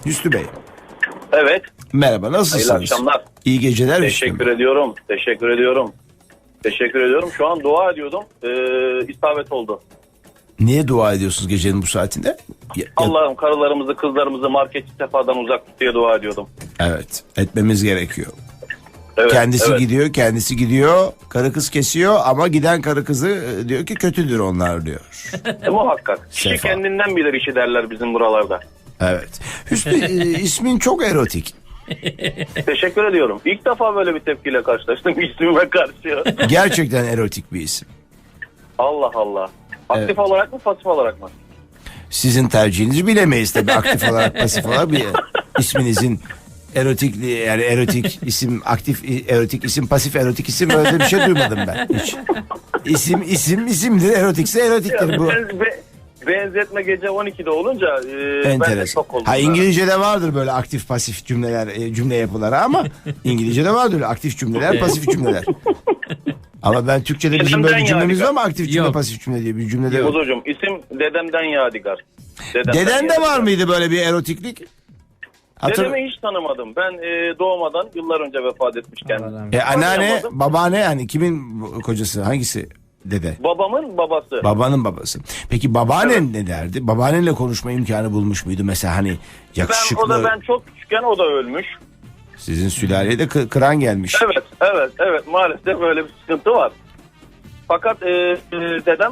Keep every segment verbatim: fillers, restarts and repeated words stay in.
Hüsnü Bey. Evet. Merhaba, nasılsınız? Hayırlı akşamlar. İyi geceler. Teşekkür ediyorum. Teşekkür ediyorum. Teşekkür ediyorum. Şu an dua ediyordum. Ee, isabet oldu. Niye dua ediyorsunuz gecenin bu saatinde? Ya- ya- Allah'ım karılarımızı, kızlarımızı marketçi sefadan uzak tut diye dua ediyordum. Evet, etmemiz gerekiyor. Evet, Kendisi evet. gidiyor, kendisi gidiyor. Karı kız kesiyor ama giden karı kızı e, diyor ki kötüdür onlar diyor. E, muhakkak. Kişi Sefa. kendinden bilir işi derler bizim buralarda. Evet. Hüsnü e, ismin çok erotik. Teşekkür ediyorum. İlk defa böyle bir tepkiyle karşılaştım ismime karşı. Gerçekten erotik bir isim. Allah Allah. Aktif Evet. olarak mı, pasif olarak mı? Sizin tercihinizi bilemeyiz tabii, aktif olarak pasif olarak bir isminizin erotikliği, yani erotik isim, aktif erotik isim, pasif erotik isim, öyle bir şey duymadım ben hiç. İsim isim isimdir, erotikse erotiktir bu. Ben- be- benzetme gece on ikide olunca e, ben de Enteresan. şok oldum. Ha, İngilizce'de vardır böyle aktif pasif cümleler, e, cümle yapıları ama İngilizce'de vardır öyle aktif cümleler, pasif cümleler. Ama ben Türkçe'de bizim böyle bir cümlemiz var mı, aktif cümle, Yok. pasif cümle diye bir cümlede yok. Kuzucuğum isim dedemden Yadigar. Dedemden Deden de Yadigar. var mıydı böyle bir erotiklik? Hatır... Dedemi hiç tanımadım. Ben e, doğmadan yıllar önce vefat etmiş kendisi. E, anneanne, Tanıyamadım. babaanne, yani kimin kocası, hangisi dede? Babamın babası. Babanın babası. Peki babaannen ne derdi? Babaannenle konuşma imkanı bulmuş muydu mesela, hani ben, yakışıklı? o da ben çok küçükken o da ölmüş. Sizin sülaleye de kı- kıran gelmiş. Evet, evet, evet. Maalesef böyle bir sıkıntı var. Fakat e, e, dedem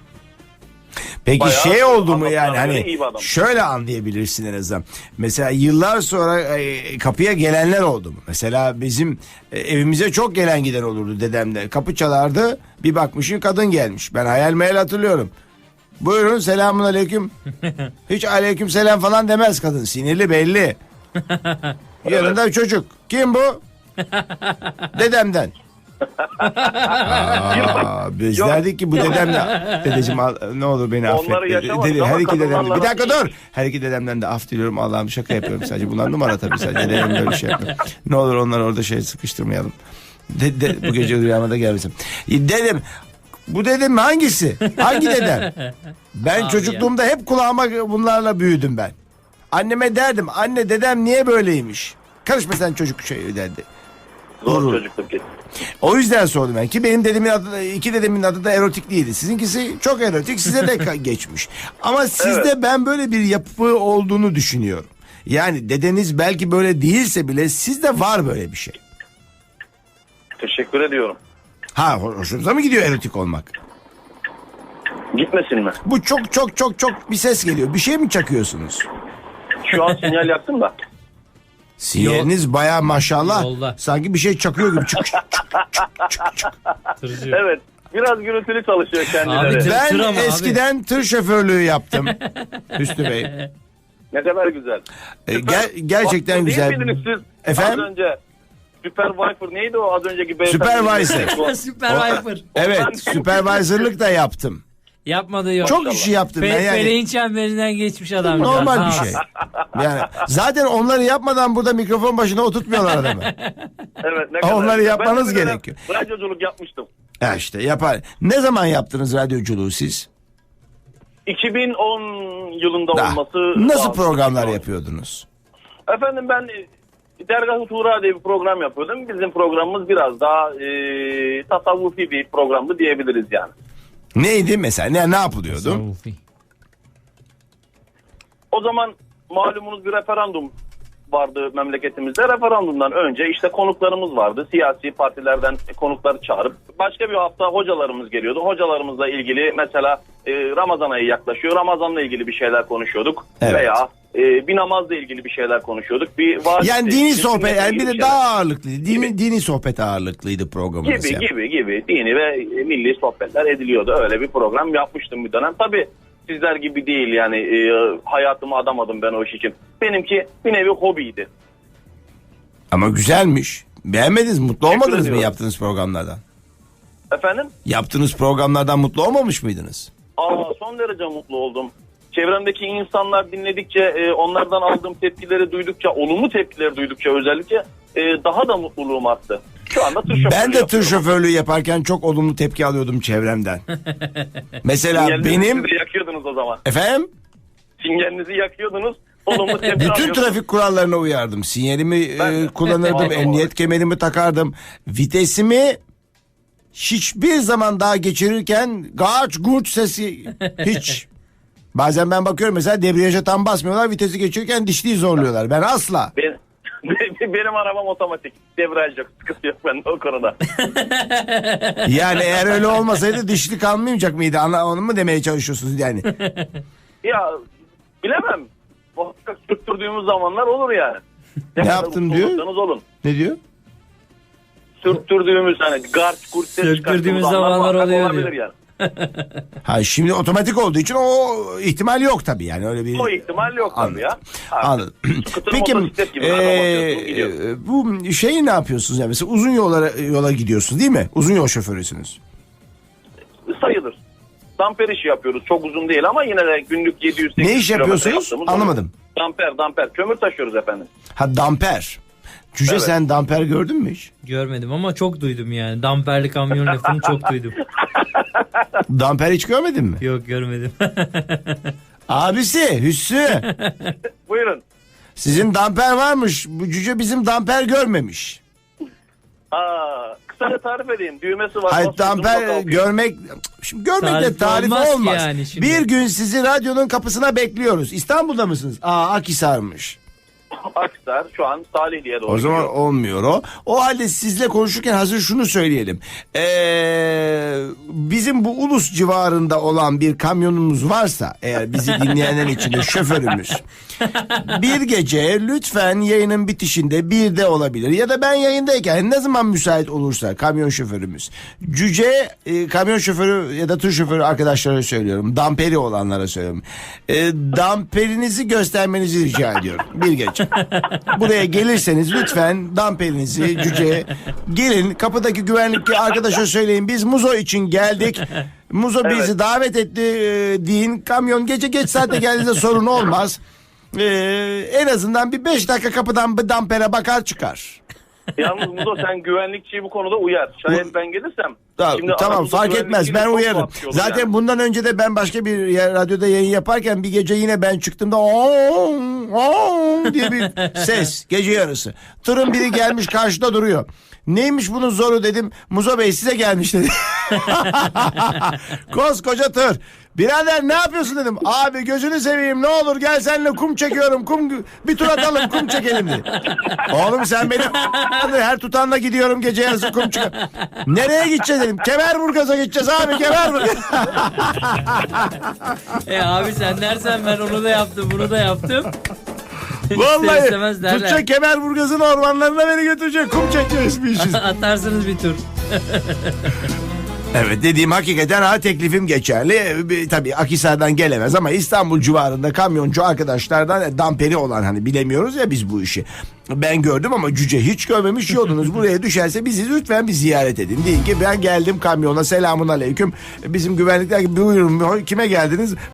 Peki bayağı şey oldu mu, anlatılan yani göre hani iyi bir adam. şöyle anlayabilirsin en azından. Mesela yıllar sonra e, kapıya gelenler oldu mu? Mesela bizim e, evimize çok gelen giden olurdu dedemle. Kapı çalardı, bir bakmışın kadın gelmiş. Ben hayal meyal hatırlıyorum. Buyurun, selamun aleyküm. Hiç aleyküm selam falan demez kadın, sinirli belli. Yanında bir çocuk. Kim bu? Dedemden. Aa, biz Yok. derdik ki bu dedemle. Dedeciğim al, ne olur beni affet. Onları Dedi, yaşamadık dedi, ama her iki dedemden. kadınlarla Bir dakika değil. dur. Her iki dedemden de af diliyorum, Allah'ım, şaka yapıyorum sadece. Bunlar numara tabii, sadece dedem böyle bir şey yapıyor. Ne olur onları orada şey sıkıştırmayalım. De, de, bu gece rüyama da gelmesin. Dedim, bu dedem hangisi? Hangi dedem? Ben Abi çocukluğumda hep kulağıma bunlarla büyüdüm ben. Anneme derdim, anne dedem niye böyleymiş? Karışma sen çocuk şey derdi. zor Doğru. çocukluk geçti. O yüzden sordum ben ki benim dedemin adı da, iki dedemin adı da erotik değildi. Sizinkisi çok erotik, size de ka- geçmiş. Ama sizde Evet. ben böyle bir yapı olduğunu düşünüyorum. Yani dedeniz belki böyle değilse bile sizde var böyle bir şey. Teşekkür ediyorum. Ha, ho- hoşunuza mı gidiyor erotik olmak? Gitmesin mi? Bu çok çok çok çok bir ses geliyor. Bir şey mi çakıyorsunuz? Şu an sinyal yaktım da. Sinyaliniz bayağı maşallah. Yolda. Sanki bir şey çakıyor gibi. Çık, çık, çık, çık, çık. Tırcı. Evet. Biraz gürültülü çalışıyor kendileri. Abi, tır- Ben ama abi. eskiden tır şoförlüğü yaptım. Hüsnü Bey. Ne kadar güzel. E, ger- gerçekten Değil güzel. miydiniz siz? Efendim? Az önce Supervisor neydi o az önceki beyefendi? Supervisor. Süper Viper. Evet, supervisor'lık da yaptım. Yapmadığı yok. Çok işi yaptım ben Fe- yani. Feleğin çemberinden geçmiş adam. Normal bir şey. Yani zaten onları yapmadan burada mikrofon başına oturtmuyorlar adamı. Evet, ne Onları güzel. yapmanız Ben de bir dönem gerekiyor. Radyoculuk yapmıştım. Ha işte yapar. Ne zaman yaptınız radyoculuğu siz? iki bin on yılında Da. olması Nasıl lazım. programlar yapıyordunuz? Efendim ben e, Dergah-ı Tuğra diye bir program yapıyordum. Bizim programımız biraz daha e, tasavvufi bir programdı diyebiliriz yani. Neydi mesela? Ne ne yapılıyordu? O zaman malumunuz bir referandum vardı memleketimizde. Referandumdan önce işte konuklarımız vardı. Siyasi partilerden konukları çağırıp başka bir hafta hocalarımız geliyordu. Hocalarımızla ilgili mesela e, Ramazan ayı yaklaşıyor. Ramazanla ilgili bir şeyler konuşuyorduk. Evet. Veya e, bir namazla ilgili bir şeyler konuşuyorduk. Bir vaaz- Yani dini sohbet, sünnetle yani bir ilgili de şeyler. daha ağırlıklıydı. Dini, Gibi. dini sohbet ağırlıklıydı programınız. Gibi yani. gibi gibi dini ve e, milli sohbetler ediliyordu. Öyle bir program yapmıştım bir dönem. Tabii sizler gibi değil yani e, hayatımı adamadım ben o iş için. Benimki bir nevi hobiydi. Ama güzelmiş. Beğenmediniz mi? Mutlu olmadınız mı ediyorum. yaptığınız programlardan? Efendim? Yaptığınız programlardan mutlu olmamış mıydınız? Aa, son derece mutlu oldum. Çevremdeki insanlar dinledikçe, e, onlardan aldığım tepkileri duydukça, olumlu tepkileri duydukça özellikle e, daha da mutluluğum arttı. Şu anda tır şoförlüğü Ben de tır yapıyorum. şoförlüğü yaparken çok olumlu tepki alıyordum çevremden. Mesela Sinyalinizi benim... de yakıyordunuz o zaman. Efendim? Sinyalinizi yakıyordunuz. Olumlu tepki Bütün alıyorsunuz. trafik kurallarına uyardım. Sinyalimi Ben e, de. kullanırdım, Aldım emniyet olarak. kemerimi takardım. Vitesimi hiçbir zaman daha geçirirken gaç gurç sesi hiç. Bazen ben bakıyorum mesela debriyaja tam basmıyorlar, vitesi geçirirken dişliyi zorluyorlar. Ben asla. Benim, benim arabam otomatik. Debriyaj yok. Sıkıntı yok bende o konuda. Yani eğer öyle olmasaydı dişli kalmayacak mıydı? Ana, onu mu demeye çalışıyorsunuz yani? Ya bilemem. Muhakkak sürttürdüğümüz zamanlar olur yani. Ne kadar yaptım mutlu diyor? olursanız olun. Ne diyor? Sürttürdüğümüz hani garç kurt ses Sürttürdüğümüz çıkarttığımız zamanlar muhakkak oluyor olabilir diyor. yani. Ha şimdi otomatik olduğu için o ihtimal yok tabii yani öyle bir. O ihtimal yok Anladım. tabii ya. Artık Anladım. skuter, Peki motosiklet gibi araba basıyorsunuz, e, gidiyor. bu şeyi ne yapıyorsunuz yani mesela uzun yola yola gidiyorsunuz değil mi? Uzun yol şoförüsünüz. Sayılır. Damper işi yapıyoruz. Çok uzun değil ama yine de günlük yedi yüz sekiz yüz Ne iş kilometre yapıyorsunuz? yaptığımız Anlamadım. oluyor. Damper, damper. Kömür taşıyoruz efendim. Ha damper. Cüce Evet. sen damper gördün mü hiç? Görmedim ama çok duydum yani. Damperli kamyon lafını çok duydum. Damper hiç görmedin mi? Yok görmedim. Abisi Hüsnü Buyurun. sizin damper varmış. Bu cüce bizim damper görmemiş. Aa, kısaca tarif edeyim. Düğmesi var. Hayır basıyorsunuz, damper kalkıyor. görmek şimdi görmekle Tarif tarif olmaz ki olmaz. yani şimdi. Bir gün sizi radyonun kapısına bekliyoruz. İstanbul'da mısınız? Aa Akhisar'mış. Aksar şu an Salihli'ye doğru O zaman gidiyor. olmuyor o. O halde sizle konuşurken hazır şunu söyleyelim. Ee, bizim bu Ulus civarında olan bir kamyonumuz varsa eğer bizi dinleyenler içinde şoförümüz. Bir gece lütfen yayının bitişinde birde olabilir ya da ben yayındayken ne zaman müsait olursa kamyon şoförümüz. Cüce e, kamyon şoförü ya da tır şoförü arkadaşlara söylüyorum. Damperi olanlara söylüyorum. E, damperinizi göstermenizi rica ediyorum. Bir gece. Buraya gelirseniz lütfen damperinizi cüceye gelin kapıdaki güvenlik arkadaşa söyleyin biz Muzo için geldik. Muzo bizi Evet. davet etti e, deyin. Kamyon gece geç saatte geldiğinde sorun olmaz. E, en azından bir beş dakika kapıdan bir dampere bakar çıkar. Yalnız Muzo sen güvenlikçiyi bu konuda uyar. Şayet ben gelirsem. Tamam, şimdi tamam aramızda fark etmez güvenlikçiyle ben çok uyarım. tuhaf yolu Zaten yani. bundan önce de ben başka bir yer, radyoda yayın yaparken bir gece yine ben çıktığımda "Oong, oong" diye bir ses gece yarısı. Tırın biri gelmiş karşıda duruyor. Neymiş bunun zoru dedim. Muzo Bey size gelmiş dedi. Koskoca tır. Birader ne yapıyorsun dedim. Abi gözünü seveyim ne olur gel seninle kum çekiyorum. Kum bir tur atalım kum çekelim dedi. Oğlum sen benim her tutanla gidiyorum gece yarısı kum çıkar. Nereye gideceğiz dedim. Kemerburgaz'a gideceğiz abi Kemerburgaz. e abi sen dersen ben onu da yaptım bunu da yaptım. İster Vallahi istemez derler. tutacak Kemerburgaz'ın ormanlarına beni götürecek. Kum çekeceğiz bir işiz. Atarsınız bir tur. Evet dediğim hakikaten ha teklifim geçerli. Bir- Tabii Akhisar'dan gelemez ama İstanbul civarında kamyoncu arkadaşlardan e, damperi olan hani bilemiyoruz ya biz bu işi. Ben gördüm ama cüce hiç görmemiş yolunuz buraya düşerse bizi lütfen bir ziyaret edin. Deyin ki ben geldim kamyona selamun aleyküm. Bizim güvenlikler gibi buyurun kime geldiniz?